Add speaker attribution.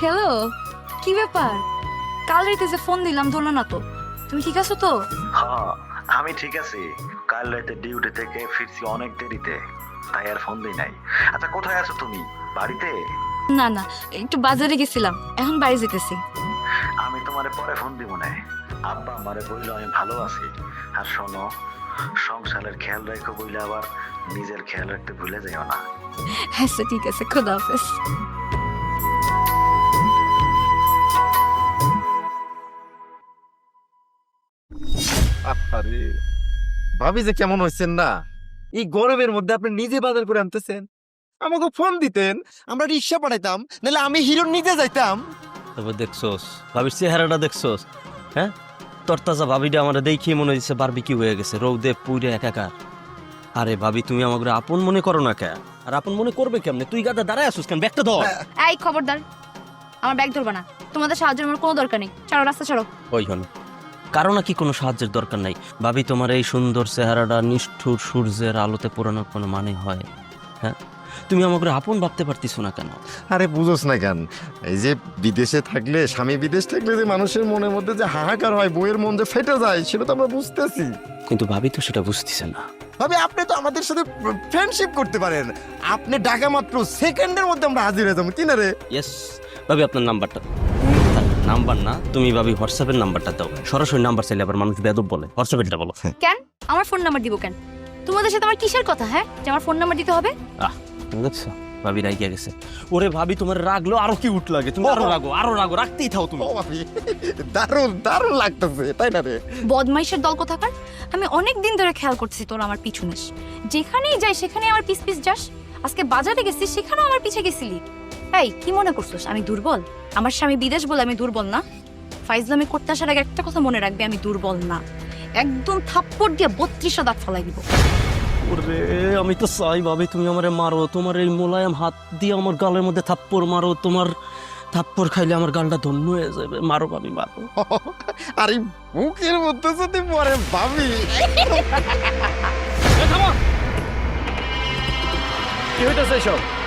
Speaker 1: Hello, কি ব্যাপার? কাল রাতে যে ফোন দিলাম ধরলো না তো। তুমি ঠিক আছো তো?
Speaker 2: হ্যাঁ, আমি ঠিক আছি। কাল রাতে ডিউটি থেকে ফিরছি অনেক দেরিতে, তাই আর ফোন দিই নাই। আচ্ছা, কোথায় আছো তুমি? বাড়িতে?
Speaker 1: না না, একটু বাজারে গেছিলাম, এখন বাড়ি যেতেছি।
Speaker 2: আমি তোমারে পরে ফোন দিব না। আব্বা আমারে বললো আমি ভালো আছি। আর শোনো, সংসারের খেয়াল রাখো বইলে আবার নিজের খেয়াল রাখতে ভুলে যাও না।
Speaker 1: আচ্ছা ঠিক আছে, খোদা হাফেজ।
Speaker 3: আরে ভাবি যে কেমন হয়েছেন না, এই গরমের মধ্যে আপনি নিজে বাজার করে আনতেছেন। আমাকে ফোন দিতেন, আমরা রিক্সা পাঠাইতাম, নাহলে আমি হিরোর নিজে যাইতাম।
Speaker 4: তারপর দেখছোস ভাবির চেহারাটা দেখছোস, হ্যাঁ? তরতাজা ভাবিটা আমার দেখিয়ে মনে হচ্ছে বারবিকিউ হয়ে গেছে, রৌদে পুইরে একাকার। আরে ভাবি, তুমি আমাকে আপন মনে করো না কে? আর আপন মনে করবে কেমনে? তুই গাদা দাঁড়ায় আসুস কেন? ব্যাগটা ধর।
Speaker 1: এই খবরদার, আমার ব্যাগ ধরবা না। তোমাদের সাহায্যের আমার কোনো দরকার নেই, ছাড়ো রাস্তা ছাড়ো।
Speaker 4: ওই হন, কারো নাকি কোনো সাহায্যের দরকার নাই। ভাবি, তোমার এই সুন্দর চেহারাটা নিষ্ঠুর সূর্যের আলোতে পোড়ানোর কোনো মানে হয়? হ্যাঁ, তুমি আমাকে আপন ভাবতে পারতিস না কেন?
Speaker 3: আরে বুঝোস না কেন, এই যে বিদেশে থাকলে, স্বামী বিদেশ থাকলে যে মানুষের মনের মধ্যে যে হাহাকার হয়, বইয়ের মন যে ফেটে যায়, সেটা তো আমরা বুঝতেছি।
Speaker 4: কিন্তু ভাবি তো সেটা বুঝতেছে না।
Speaker 3: ভাবি, আপনি তো আমাদের সাথে ফ্রেন্ডশিপ করতে পারেন। আপনি ডাকা মাত্র সেকেন্ডের মধ্যে আমরা হাজির হয়ে যাবো, কি না রে?
Speaker 4: ইয়েস ভাবি, আপনার নাম্বারটা। নাম্বার না, তুমি ভাবি হোয়াটসঅ্যাপের নাম্বারটা দাও। সরাসরি নাম্বার চাইলে আবার মানুষ বেয়াদব বলে, হোয়াটসঅ্যাপেরটা বলো।
Speaker 1: কেন আমার ফোন নাম্বার দিব কেন? তোমাদের সাথে আমার কিসের কথা, হ্যাঁ, যে আমার ফোন নাম্বার দিতে হবে?
Speaker 4: তুমি দেখছো ভাবি রাগিয়া গেছে। ওরে ভাবি, তোমার রাগলো আরো কি উঠ লাগে, তুমি আরো রাগো, রাখতেই থাও তুমি।
Speaker 3: ও ভাবি, দারুণ দারুণ লাগতেছে, তাই না রে?
Speaker 1: বদমাইশের দল কোথাকার। আমি অনেক দিন ধরে খেয়াল করতেছি তোর আমার পিছু নিস, যেখানেই যাই সেখানে আমার পিছ পিছ যাস। আজকে বাজারে গেছিস, সেখানেও আমার পিছে গেছিলি। এই কি মনে করছিস আমি দুর্বল? আমার স্বামী বিদেশ বলে আমি দুর্বল না? ফাইজলামি করতে আসার আগে একটা কথা মনে রাখবে, আমি দুর্বল না। একদম থাপ্পড় দিয়ে 32 দাঁত ফলাই দিব।
Speaker 4: ওরে আমি তো চাই ভাবি তুমি আমারে মারো, তোমার এই মোলায়েম হাত দিয়ে আমার গালের মধ্যে থাপ্পড় মারো। তোমার থাপ্পড় খাইলে আমার গালটা ধন্য হয়ে যাবে। মারো ভাবি, মারো।
Speaker 3: আর এই বুকের মধ্যে যদি পরে ভাবি।
Speaker 4: কি হইতেছে সব?